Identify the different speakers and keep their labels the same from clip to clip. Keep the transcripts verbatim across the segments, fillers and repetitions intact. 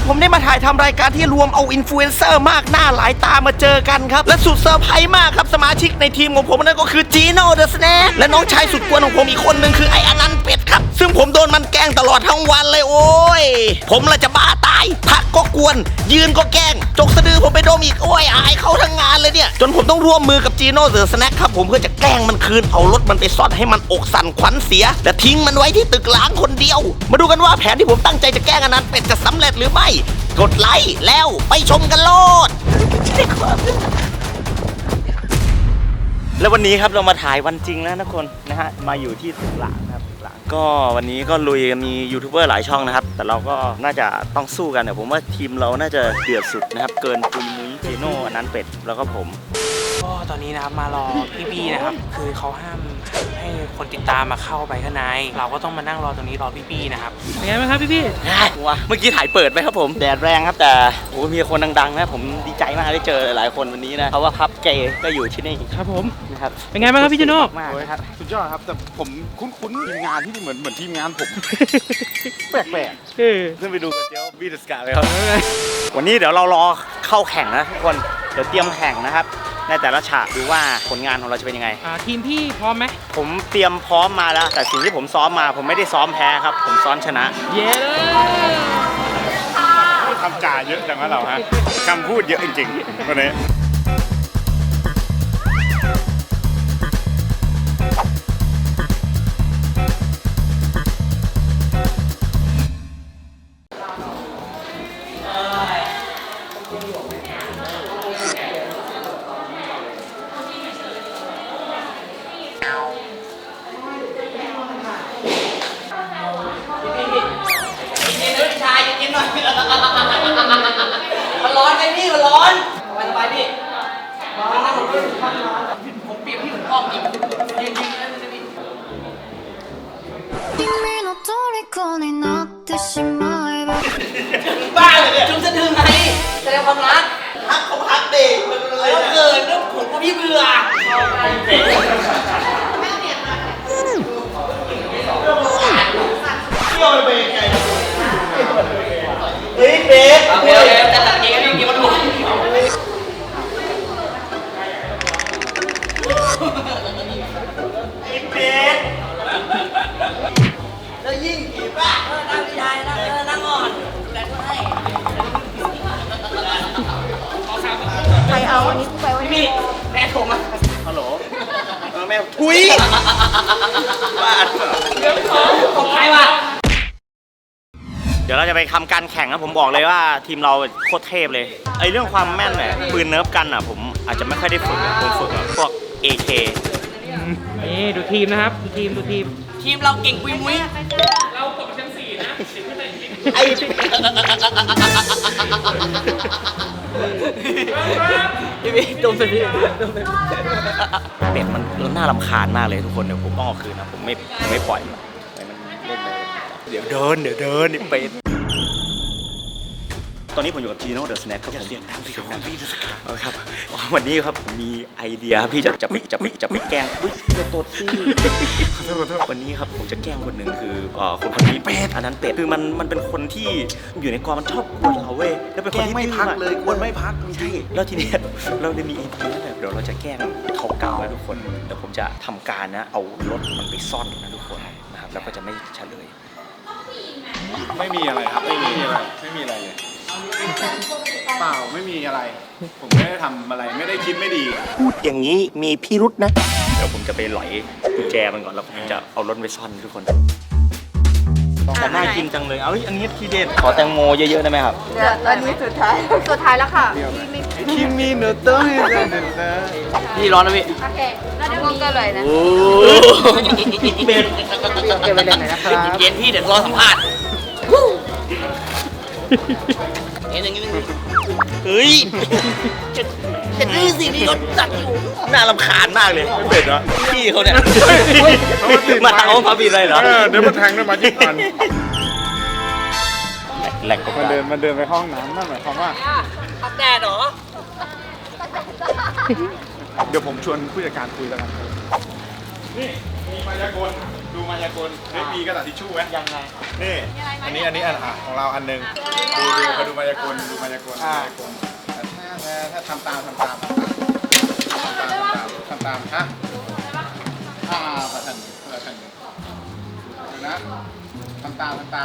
Speaker 1: ผมได้มาถ่ายทำรายการที่รวมเอาอินฟลูเอนเซอร์มากหน้าหลายตามาเจอกันครับและสุดเซอร์ไพรส์มากครับสมาชิกในทีมของผมนั่นก็คือจีโน่เดอะสแน็คและน้องชายสุดกวนของผมอีกคนหนึ่งคือไอ้อนันต์เป็ดครับซึ่งผมโดนมันแกล้งตลอดทั้งวันเลยโอ้ยผมละจะบ้าตายพักก็กวนยืนก็แกล้งจกสะดือผมไปดมอีกโอ้ยอายเขาทั้งงานเลยเนี่ยจนผมต้องร่วมมือกับจีโน่เดอะสแน็คครับผมเพื่อจะแกล้งมันคืนเอารถมันไปซ่อนให้มันอกสั่นขวัญเสียและทิ้งมันไว้ที่ตึกล้างคนเดียวมาดูกันว่าแผนที่ผมตั้งใจจะแกล้งอนันต์เป็ดจะสำเร็จหรือไม่กดไลค์แล้วไปชมกันโลดแล้ววันนี้ครับเรามาถ่ายวันจริงแล้วทุกคนนะฮะมาอยู่ที่ตึกล้างครับตึกล้างก็วันนี้ก็ลุยมียูทูบเบอร์หลายช่องนะครับแต่เราก็น่าจะต้องสู้กันแต่ผมว่าทีมเราน่าจะเดือดสุดนะครับเกินปุยมุ้ยจีโน่อนันต์เป็ดแล้วก็ผม
Speaker 2: ก็ตอนนี้นะครับมารอพี่บี้นะครับคือเขาห้ามให้คนติดตามมาเข้าไปข้างในเราก็ต้องมานั่งรอตรงนี้รอพี่บี้นะครับเป็นไงบ้างครับพี่บี้
Speaker 1: ว้าเมื่อกี้ถ่ายเปิดไปครับผมแดดแรงครับแต่โอ้มีคนดังๆนะผมดีใจมากได้เจอหลายคนวันนี้นะเพราะว่าพับเกย์ก็อยู่ที่นี่
Speaker 2: ครับผม
Speaker 1: นะครับ
Speaker 2: เป็นไงบ้างครับพี่จิโน่
Speaker 1: มากครับ
Speaker 3: สุดยอดครับแต่ผมคุ้นๆทีมงานที่นี่เหมือนเหมือนทีมงานผมแปลกๆ
Speaker 1: ขึ้นไปดูกันเจ้าบีดสกาเลยครับวันนี้เดี๋ยวเรารอเข้าแข่งนะทุกคนเดี๋ยวเตรียมแข่งนะครับในแต่ละฉากดูว่าผลงานของเราจะเป็นยังไง
Speaker 2: ทีมพี่พร้อมไหม
Speaker 1: ผมเตรียมพร้อมมาแล้วแต่สิ่งที่ผมซ้อมมาผมไม่ได้ซ้อมแพ้ครับผมซ้อมชนะ
Speaker 2: เย้
Speaker 3: เลยคำจ่าเยอะจังวะเราฮะคำพูดเยอะจริงๆวันนี้
Speaker 1: มันร้อนไอ้พี่มันร้อนสบายสบายพี่มันนั่งผมเปรียบพี่เหมือนพ่อจริงจริงจริงนะพี่บ้าเลยเนี่ยจุ๊บสะดือไงแสดงความรักฮักเขาฮักเด็กมันเลยเกินแล้วผมก็พี่เบื่อเที่ยวไปไงเฮ้ยเบสโอเคโอเคจะตัดเองให้พี่มาดูไอ้เบสแล้วยิ่งผีป่ะนั่งชายนั่งนั่งอ่อนแรงให้
Speaker 4: ใครเอาอันนี้ไปไว้
Speaker 1: พี่แม่โทรมาฮัลโหลเออแม่ทุยบ้าเรื่องของของใครวะเดี๋ยวเราจะไปทำการแข่งนะผมบอกเลยว่าทีมเราโคตรเทพเลยไอเรื่องความแม่นเนี่ยปืนเนิร์ฟกันอ่ะผมอาจจะไม่ค่อยได้ฝึกผมฝึกแบบพวก เอ เค
Speaker 2: นี่ดูทีมนะครับดูทีมดูทีม
Speaker 1: ทีมเราเก่งปุยมุ้ย
Speaker 2: เราตกชั้นสี่นะ
Speaker 1: ไอ้พี่พี่ดมสิพี่ดมสิเป็ดมันน่ารำคาญมากเลยทุกคนเดี๋ยวผมต้องเอาคืนนะผมไม่ไม่ปล่อยมันเล่นไปเดี๋ยวเดินเดี๋ยวเดินนี่เป็ดตอนนี้ผมอยู่กับจีโน่เดอะสแน็คครับผมเสียงดังพี่ครับพี่ครับวันนี้ครับผมมีไอเดียพี่จะจะไม่จะไม่จะไม่แกล้งอุ้ยจะตดซี่วันนี้ครับผมจะแกล้งคนหนึ่งคือคนคนนี้เป็ดอันนั้นเป็ดคือมันมันเป็นคนที่อยู่ในกองมันชอบกวนเราเว้ยแล้วเป็นคนที่
Speaker 3: ไม่พักเลยกวนไม่พัก
Speaker 1: ใช่แล้วทีนี้เราได้มีไอเดียนั่นแหละเดี๋ยวเราจะแกล้งเขาเก่าแล้วทุกคนเดี๋ยวผมจะทำการนะเอารถมันไปซ่อนนะทุกคนนะครับแล้วก็จะไม่เฉลย
Speaker 3: ไม่มีอะไรครับไม่มีอะไรไม่มีอะไรเลยเปล่าไม่มีอะไรผมไม่ได้ทำอะไรไม่ได้คิดไม่ดี
Speaker 1: พูดอย่างนี้มีพิรุษนะเดี๋ยวผมจะไปหลอยกุญแจมันก่อนแล้วผมจะเอารถไปซ่อนทุกคนแต่น่ากินจังเลยเอาอันนี้ทีเด็ดขอแตงโมเยอะๆได้ไหมครับ
Speaker 4: เดี๋ยวอันนี้สุดท้ายสุดท้ายแล้วค่ะ
Speaker 3: คิมมี่เนอร์ต้ย
Speaker 1: พี่ร้อนนะพี่
Speaker 4: โอเคแล้วเดี๋ยวมีก็เลยนะ
Speaker 1: โอ้เบ็ด
Speaker 4: เก็บไปเลยนะครับ
Speaker 1: เย็นพี่เดี๋ยวรอสัมภาษณ์เห็นอย่างนี้เฮ้ยเห็นนี่สินี่เขาจัดอยู่น่ารำคาญมากเลยไม่เป็ดเหรอพี่เขาเนี่ยมาเอาพาบีอะไรเหรอ
Speaker 3: เดี๋ยวมาแทงด้วยมาจิ้มกัน
Speaker 1: แหลกก็
Speaker 3: มาเดินมาเดินไปห้องน้ำนั่นหมายความว่า
Speaker 1: อาบแดดเหรอ
Speaker 3: เดี๋ยวผมชวนผู้จัดการคุยแล้วกันนี่มีมายากลดูดูมายากลเฮ้ยมีกระดาษทิชชู่ไหม
Speaker 2: ยังไง
Speaker 3: นี่อันนี้อันนี้อันอ่ะของเราอันหนึงดูดูมาดูมายากลดูมายากลดูมายากลแต่ถ้าถ้าถ้าทำตามทำตามทำตามทำตามฮะอ่าประทันประทันดูนะทำตามทำตาม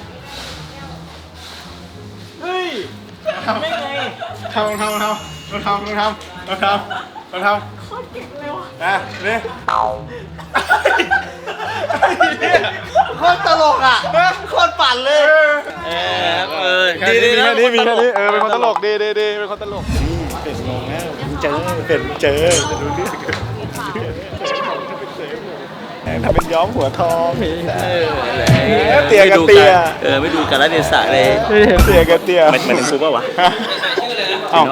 Speaker 2: เฮ้ยไม่ไง
Speaker 3: ทำทำทำทำทำทำทำทำทำโคตรเก่งเลยว่ะนะนี่
Speaker 1: โคตรตลกอ่ะโคตรปั่นเลย เออเออ
Speaker 3: แค่นี้มีแค่นี้มีแค่นี้เออเป็นคนตลกดีดีดีเป็นคนตลกเป็ดงงแล้วเจอเป็ดเจอจะดูเรื่องทำเป็นย้อมหัวทองเตียกับเตีย
Speaker 1: เออไม่ดูกันแล้วเดสะเลย
Speaker 3: เตียกับเตีย
Speaker 1: มันมันคือป่าวะ
Speaker 3: เอ้า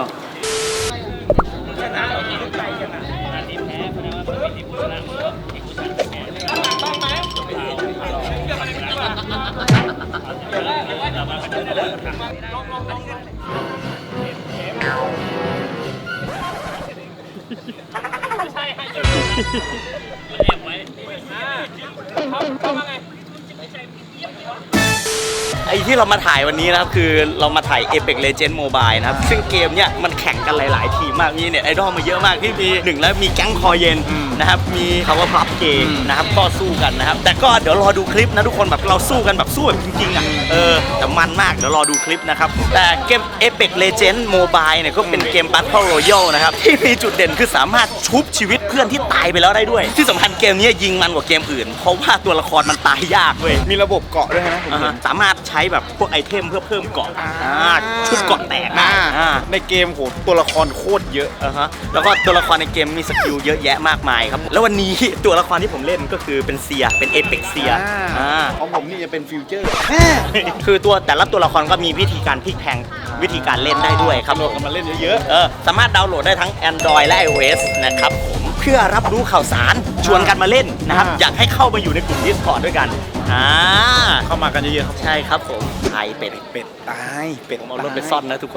Speaker 1: ไอ้ที่เรามาถ่ายวันนี้นะครับคือเรามาถ่าย Apex Legends Mobile นะครับซึ่งเกมเนี้ยมันแข่งกันหลายๆทีมมากมีเนี่ยไอดอลมาเยอะมากที่มีหนึ่งแล้วมีแก๊งคอเย็นนะครับมี Power Puff Game นะครับก็สู้กันนะครับแต่ก็เดี๋ยวรอดูคลิปนะทุกคนแบบเราสู้กันแบบสู้แบบจริงๆอ่ะเออแต่มันมากเดี๋ยวรอดูคลิปนะครับแต่เกม Apex Legends Mobile เนี่ยก็เป็นเกม Battle Royale นะครับที่มีจุดเด่นคือสามารถชุบชีวิตเพื่อนที่ตายไปแล้วได้ด้วยที่สำคัญเกมนี้ยิงมันกว่าเกมอื่นเพราะว่าตัวละครมันตายยากเว้ย
Speaker 3: มีระบบเกาะด้วยนะผม
Speaker 1: อ่า
Speaker 3: เห็
Speaker 1: ฮะ
Speaker 3: น
Speaker 1: สามารถใช้แบบพวกไอเทมเพื่อเพิ่มเกาะอ่าชุดเกาะแตกได้
Speaker 3: อ่า
Speaker 1: อ่า
Speaker 3: ในเกมโหตัวละครโคตรเยอะ
Speaker 1: อ่าฮะแล้วก็ตัวละครในเกมมีสกิลเยอะแยะมากมายครับ แล้ววันนี้ ตัวละครที่ผมเล่นก็คือเป็นเซียเป็นเอเปกเซียอ่า
Speaker 3: ของผมนี่จะเป็นฟิวเจอร์
Speaker 1: คือตัวแต่ละตัวละครก็มีวิธีการพลิกแพลงวิธีการเล่นได้ด้วยครับ
Speaker 3: โหลดกันมาเล่นเยอะ
Speaker 1: เออสามารถดาวน์โหลดได้ทั้ง Android และ iOS นะครับผมเพื่อรับรู้ข่าวสารชวนกันมาเล่นนะครับอยากให้เข้ามาอยู่ในกลุ่ม Discord ด้วยกันอ่า
Speaker 3: ๆเข้ามากันเยอะๆครับ
Speaker 1: ใช่ครับผมไทยเป็ด
Speaker 3: เป็ดตายเป็ด
Speaker 1: ผมเอารถไปซ่อนนะทุกคน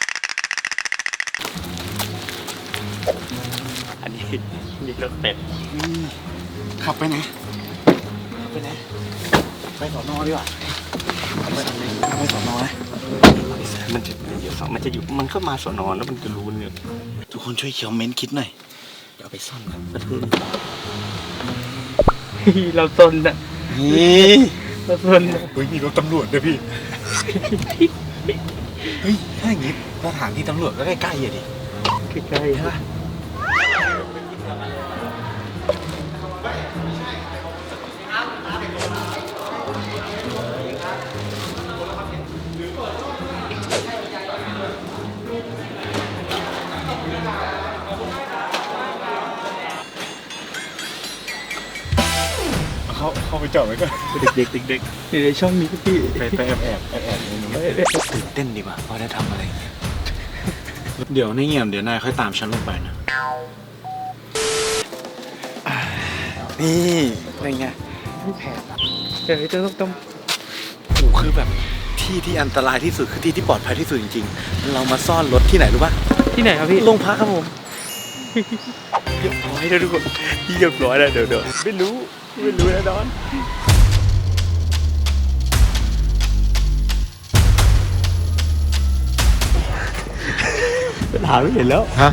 Speaker 1: อันนี้นี่รถเป็ด
Speaker 3: ขับไปไหนไปไหนไปสอนอดีกว่าไปไปสอนอนะ
Speaker 1: มันจะเดี๋ยวสองมันจะอยู่มันก็มาสอนอนแล้วมันจะรู้เนี่ย
Speaker 3: ทุกคนช่วยเขียวเม้นคิดหน่อย
Speaker 1: เดี๋ยวเอาไปซ่อนกันประเทศ
Speaker 2: เราซนอะ
Speaker 3: นี่
Speaker 2: เราซนอะ
Speaker 3: เฮ้ยมีรถตำรวจด้วยพี่เฮ้ยถ้าอย่างงี้สถานที่ตำรวจก็ใกล้ๆอ่ะดิ
Speaker 2: ใกล้ๆฮะ
Speaker 3: เขาเข้าไปจอดไว้ก่อน
Speaker 2: เด็กๆเด็กๆอยู่ในช่องนี้พี่
Speaker 3: ไปไปแอบแอบแอบแอบในนู้นตื่นเต้นดีกว่าว่าได้ทำอะไรอย่างเงี้ยเดี๋ยวในเงียบเดี๋ยวนายค่อยตามฉันลงไปนะนี่อะไรเงี้ย
Speaker 2: เดี๋ยวจะต้องต้อง
Speaker 3: โอ้คือแบบที่ที่อันตรายที่สุดคือที่ที่ปลอดภัยที่สุดจริงๆ เรามาซ่อนรถที่ไหนรู้ป่ะ
Speaker 2: ที่ไหนครับพี่
Speaker 3: โรงพักครับผม
Speaker 1: เรียบร้อยแล้วทุกคนเรียบร้อยแล้วเดี๋ยวเดี๋ยวไม่รู้ไม่รู้แน่นอนหาไม่เห็นแล้ว
Speaker 3: ฮะ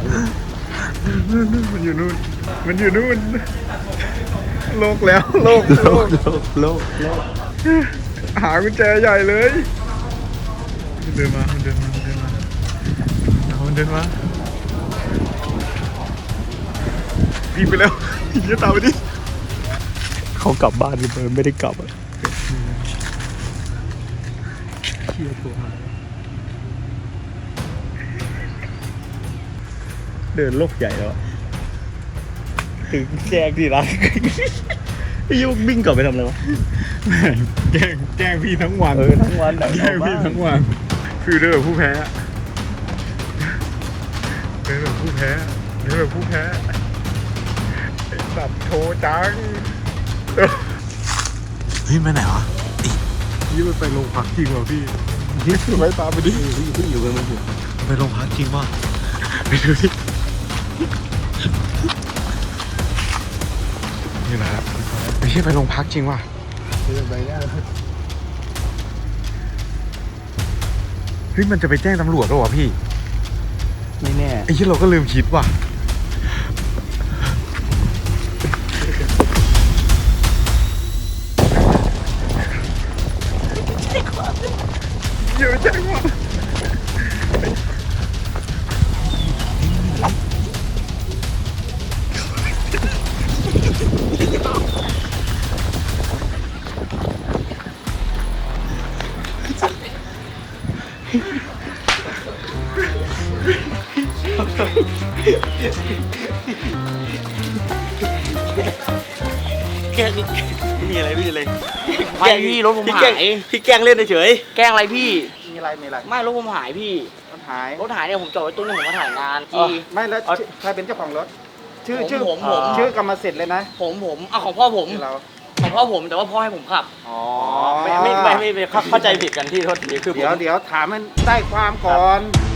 Speaker 3: มันอยู่นู่นมันอยู่นู่นโลกแล้วโลกโลก
Speaker 1: โลกโลกโลก
Speaker 3: หากุญแจใหญ่เลยมันเดินมามันเดินมามันเดินมามันเดินมาวิ่งไปแล้วอย่าตามไปดิ
Speaker 1: เขากลับบ้านกันเลยไม่ได้กลับอ่ะ
Speaker 3: เดินโลกใหญ่แล้ว
Speaker 1: ถึงแจ้งที่รักยุ่งวิ่งกลับไปทำอะไรวะ
Speaker 3: แกล้งแกล้งพี่ทั้งวัน
Speaker 1: เออทั้งวันอะ
Speaker 3: แกล้งพี่ทั้งวันคือเดินแบบผู้แพ้เดินแบบผู้แพ้เดินแบบผู้แพ้ไอ้สัตว์โทจังเฮ้ยไปไหนวะนี่มันไปโรงพักจริงเหรอพี่นี่คือไปตามไปดิ
Speaker 1: ที่อยู่กันมันอยู่
Speaker 3: ไปโรงพักจริงป่ะไปดูดินี่นะครับไปเชี่ยไปโรงพักจริงว่ะ
Speaker 5: ไปได้
Speaker 3: เฮ้ยมันจะไปแจ้งตำรวจหรอวะพี่
Speaker 5: ไม่แน่
Speaker 3: ไอ้ที่เราก็ลืมคิดว่ะเยอะจังวะมีอะไรพี่เลย
Speaker 2: ไม่พี่รถผมหาย
Speaker 1: พี่แกล้งเล่นเฉย
Speaker 2: แกล้งอะไรพี่
Speaker 5: มีอะไรมีอะไร
Speaker 2: ไม่รถผมหายพี่
Speaker 5: มันหาย
Speaker 2: รถหายเนี่ยผมจอดไว้ตู้นึงผมมาถ่ายงาน
Speaker 5: อ๋อ
Speaker 2: จี
Speaker 5: ไม่แล้วชื่อใครเป็นเจ้าของรถ ชื่อ
Speaker 2: ผม
Speaker 5: ชื่อ
Speaker 2: ผมผม
Speaker 5: ชื่อกรรมสิทธิ์เลยนะ
Speaker 2: ผมผมอ่ะของพ่อผม
Speaker 5: ชื่อเรา
Speaker 2: ของพ่อผมแต่ว่าพ่อให้ผมขับ
Speaker 5: อ๋อ
Speaker 1: ไม่ไม่ไม่ไม่ไม่เข้าใจผิดกันที่โทษทีคือผม
Speaker 5: เดี๋ยวเดี๋ยวถามมันได้ความก่อน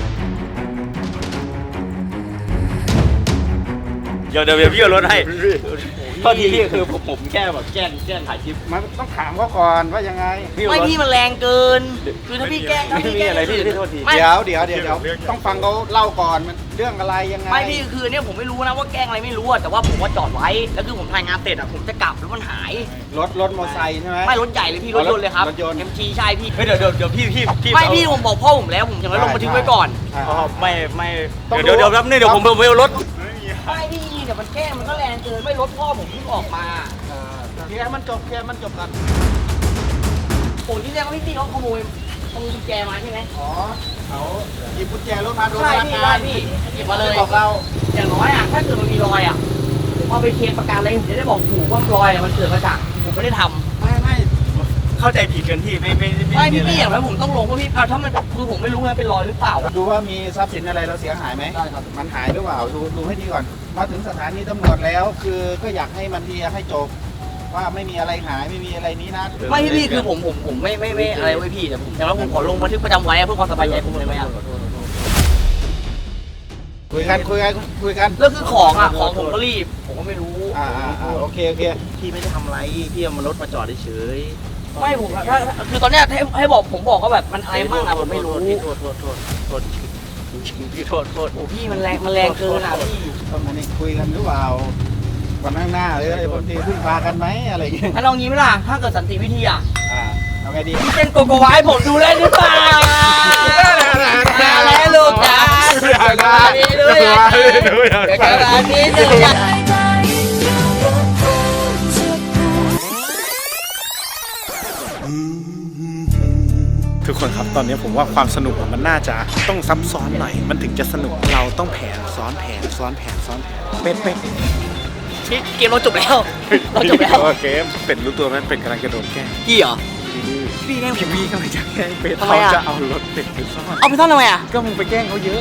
Speaker 1: เดี๋ยวเดี๋ยวเดี๋ยวพี่เอารถให้โทษทีพี่คือผมผมแค่แบบแกล้งแกล้งถ่ายคลิป
Speaker 5: มันต้องถามเขาก่อนว่ายังไง
Speaker 2: ไม่พี่มันแรงเกิน คือถ้าพี่แกล้งถ้า
Speaker 1: ไม่
Speaker 2: พี่
Speaker 1: มี
Speaker 2: แกล้ง
Speaker 1: อะไรพี่พี่โทษที
Speaker 2: ไม่
Speaker 5: เดี๋ยวเดี๋ยวเดี๋ยวเดี๋ยวต้องฟังเขาเล่าก่อนมันเรื่องอะไรยังไง
Speaker 2: ไม่พี่คือเนี่ยผมไม่รู้นะว่าแกล้งอะไรไม่รู้อะแต่ว่าผมว่าจอดไว้แล้วคือผมถ่ายงานเสร็จอะผมจะกลับแล้วมันหาย
Speaker 5: รถรถมอเตอร์ไซค์ใช่ไหม
Speaker 2: ไม่รถใหญ่เลยพี่รถยนต์เลยครับ
Speaker 5: รถยนต์
Speaker 2: เอ็มจีใช่พี่
Speaker 1: เฮ้ยเดี๋ยวเดี๋ยวเดี๋ยวพี่พี่พี่
Speaker 2: ไม่
Speaker 1: เอา
Speaker 2: พี่ผมบอกพ่อผมแล้วผมอย่างนั้นลงบันทึกไว้ก่อน
Speaker 5: อ่า
Speaker 1: อ๋อไม่ไม่
Speaker 5: ต้อง
Speaker 1: เดี๋ยวเดี๋ยวเดี๋ยวแป๊บนึงเดี๋ยวผมผมไปเอารถ
Speaker 2: ไม่พี่เดี๋ยวมันแกล้งมันก็แรงเกินไม่รถพ่อผมเพิ่งออกมา
Speaker 5: อ่าเคลียร์มันจบเคลียร์มันจบกัน
Speaker 2: โอ้ที่แรกว่าพี่ตี้เขาขโมยขโมยกุญแจมาใช่ไหม
Speaker 5: อ๋อเขาหยิบกุญแจรถมาโดน
Speaker 2: ใช่
Speaker 5: พนัก
Speaker 2: พี่
Speaker 5: งา
Speaker 2: ได้
Speaker 5: น
Speaker 2: พี่หยิบมาเลย
Speaker 5: บอกเรา
Speaker 2: อย่างน้อยอะถ้าเกิดมันมีรอยอะผมเอาไปเคลมประกันเลยผมจะได้บอกถูกว่ารอยอะมันเกิดมาจากผมไม่ได้ทำ
Speaker 5: ไม่ไม่
Speaker 1: เข้าใจผิดกันที่ไม่ไม่
Speaker 2: ไม่พี่พี่อย่างไรผมต้องลงเพราะพี่เอาถ้ามันคือผมไม่รู้ไงเป็นรอยหรือเปล่า
Speaker 5: ดูว่ามีทรัพย์สินอะไรเราเสียหายไหม
Speaker 2: ได้ครับ
Speaker 5: มันหายหรือเปล่าดูดูให้ดีก่อน มาถึงสถานีตำรวจแล้ว คือก็อยากให้มันเคลียร์ให้จบ ว่าไม่มีอะไรหายไม่มีอะไรนี้นะ
Speaker 2: ไม่พี่พี่คือผมผมผมไม่ไม่ไม่อะไรไว้พี่แต่ผมอย่างไรผมขอลงบันทึกประจำไว้เพื่อความสบายใจผมเลยไหมอะ
Speaker 5: คุยกันคุยกันคุยกัน
Speaker 2: แล้วคือของอะของผมก็รีบผมก็ไม่รู้
Speaker 5: อ่าอ่าอ่าโอเคโอเค
Speaker 1: พี่ไม่ได้ทำอะไรพี่เอามารถมาจอดเฉย
Speaker 2: ไม่ผมอะถ้าคือตอนเนี้ยให้ให้บอกผมบอกก็แบบมันอะไรมากอะผมไม่รู้
Speaker 1: โทษโทษโทษโทษพี่โทษโทษ
Speaker 2: โอ้พี่มันแรงมันแรงเกินอะพี่
Speaker 5: ต้องมานี่คุยกันหรือเปล่าวันข้างหน้าหรืออะไรบางทีพึ่งพากันไหมอะไรอย่างเงี้ย
Speaker 2: ถ้าลองงี้ไหมล่ะถ้าเกิดสันติวิธีอะ
Speaker 5: อ่าเอาไงดี
Speaker 2: พี่เต้นโกโกวาให้ผมดูได้หรือเปล่าแล้วลูกจ๋าดีด้วยนะเดี๋ยวกระดาษนี้หนึ่งอย่าง
Speaker 3: ทุกคนครับตอนนี้ผมว่าความสนุกมันน่าจะต้องซับซ้อนหน่อย มันถึงจะสนุกเราต้องแผนซ้อนแผนซ้อนแผนซ้อนแผนเป็ดเป็ด
Speaker 2: พี่เกมเราจบแล้วเราจบแล้ว
Speaker 3: เกมเป็ดรู้ตัวไหมเป็ดกำลังจะโดนแกล้ง
Speaker 2: กี่เหรอพี่แกล้งผ
Speaker 3: พี่
Speaker 2: ม
Speaker 3: พี่กำลังจะแกล้งเป็ด
Speaker 2: ทำไม
Speaker 3: เขา
Speaker 2: อะ
Speaker 3: จะเอารถเป็ดไปซ่อน
Speaker 2: เอาไปซ่อนทำไมอะ
Speaker 3: ก็มึงไปแกล้งเขาเยอะ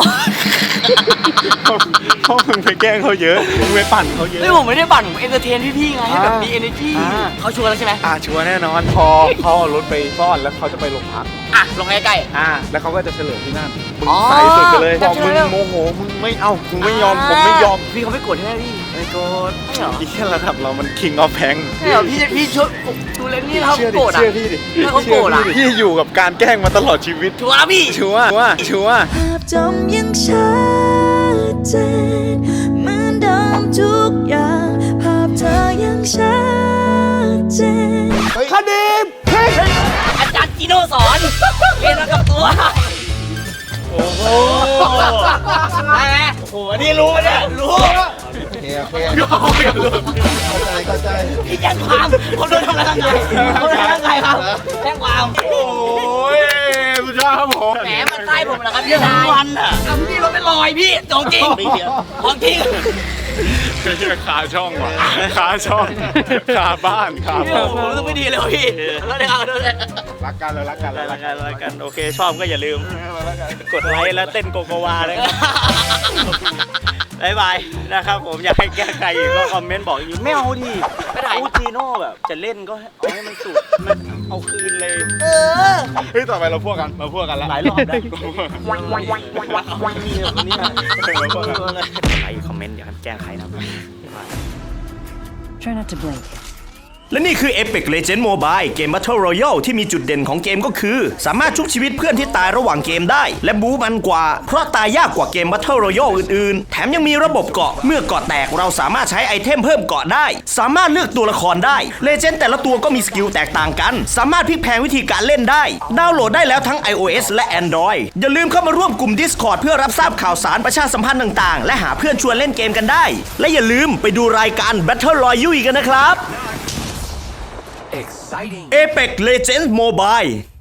Speaker 3: เพราะมึงไปแกล้งเขาเยอะมึงไปปั่นเขาเยอะ
Speaker 2: เฮ้ยผมไม่ได้ปั่นผมเอนเตอร์เทนพี่ๆไงให้แบบมี energy
Speaker 3: อ่า
Speaker 2: เขาชวนแล้วใช่ไหม
Speaker 3: อ่าชัวร์แน่นอนพอเขาเอารถไปซ่อนแล้วเขาจะไปโรงพัก
Speaker 2: อ่ะลงใกล้
Speaker 3: อ่าแล้วเขาก็จะเฉลยที่นั่นมึง
Speaker 2: อ๋อ
Speaker 3: ใส่สุดไปเลย
Speaker 2: จั
Speaker 3: บบ อก
Speaker 2: เฉล
Speaker 3: มึ
Speaker 2: ย
Speaker 3: ง
Speaker 2: แล้ว
Speaker 3: โมโหมึงไม่เอามึงไม่ยอมผมไม่ยอม
Speaker 2: พี่เขาไม่โกรธใช่ไหมพี่
Speaker 3: ไอ้โกรธ
Speaker 2: ไม่เหรอ
Speaker 3: อีกแค่ระดับเรามัน king of p a n
Speaker 2: ใช่เหรอพี่พี่ช่วยดูเลนนี่เขา
Speaker 3: เชื่อดิ
Speaker 2: โกรธอ่ะ
Speaker 3: เชื่อพี่ดิ
Speaker 2: ถ้าเขาโกรธอะ
Speaker 3: ชื่พี่ดิพี่อยู่กับการแกล้งมาตลอดชีวิต
Speaker 2: ชัวร์นะพี่
Speaker 3: ชัวร์ชัวร์ชัวร์
Speaker 6: ภาพจำยังชัดเจนเหมือนเดิมทุกอย่าง ภาพเธอยังชัดเจน
Speaker 3: คดีมเฮ้ย
Speaker 2: อาจารย์จิโน่สอนเรียนมากับตัว
Speaker 3: โอ้โห
Speaker 2: ได้ไหม
Speaker 3: โอ้โหอันนี้รู้เนี่ยรู้
Speaker 5: โอเคโอเคเข้าใจเข้าใจ
Speaker 2: พี่แจ้งความผมโดนทำร้ายร่างกายผมโดนทำร้ายร่างกายครับแจ้งความ
Speaker 3: โอ้ยสุดยอดครับผม
Speaker 2: แหมมันใต้ผมเหรอครับพี่ชายวันอ่ะเอาพี่รถเป็นรอยพี่ของจริงของจริง
Speaker 3: ไม่ใช่ขาช่องว่ะขาช่องขาบ้านขา
Speaker 2: พี่
Speaker 3: บ้าน
Speaker 2: ผมรู้สึกไม่ดีเลยว่ะพี่แล้วเดี๋ยวเอาเดี๋ยวเดี๋ยว
Speaker 5: รักกันเลยรักกันเลย
Speaker 1: รายการรายการโอเคชอบก็อย่าลืม กดไลค์แล้วเต้นโกโกวาเลยครับบายบายนะครับผมอยากให้แก้ไขอีกก็คอมเมนต์บอกอีกไม่เอาดิ
Speaker 2: ไม่ได้
Speaker 1: อูจีโน่แบบจะเล่นก็เอาให้มันสุดมันเอาคืนเลย
Speaker 2: เออ
Speaker 3: เฮ้ยต่อไปเราพวกกันเราพวกกันละ
Speaker 1: หลายรอบได้ นี่คนนี้นะใครคอมเมนต์อยากให้แก้ไขนะ
Speaker 7: Try not to blink.
Speaker 1: และนี่คือ Apex Legends Mobile เกม Battle Royale ที่มีจุดเด่นของเกมก็คือ สามารถชุบชีวิตเพื่อนที่ตายระหว่างเกมได้ และบู๊มันกว่า เพราะตายยากกว่าเกม Battle Royale อื่นๆ แถมยังมีระบบเกาะเมื่อเกาะแตกเราสามารถใช้ไอเทมเพิ่มเกาะได้ สามารถเลือกตัวละครได้ Legend แต่ละตัวก็มีสกิลแตกต่างกัน สามารถพลิกแพลงวิธีการเล่นได้ดาวน์โหลดได้แล้วทั้ง iOS และ Android อย่าลืมเข้ามาร่วมกลุ่ม Discord เพื่อรับทราบข่าวสารประชาสัมพันธ์ต่างๆและหาเพื่อนชวนเล่นเกมกันได้และอย่าลืมไปดูรายการ Battle Royale กันนะครับ Apex Legends Mobile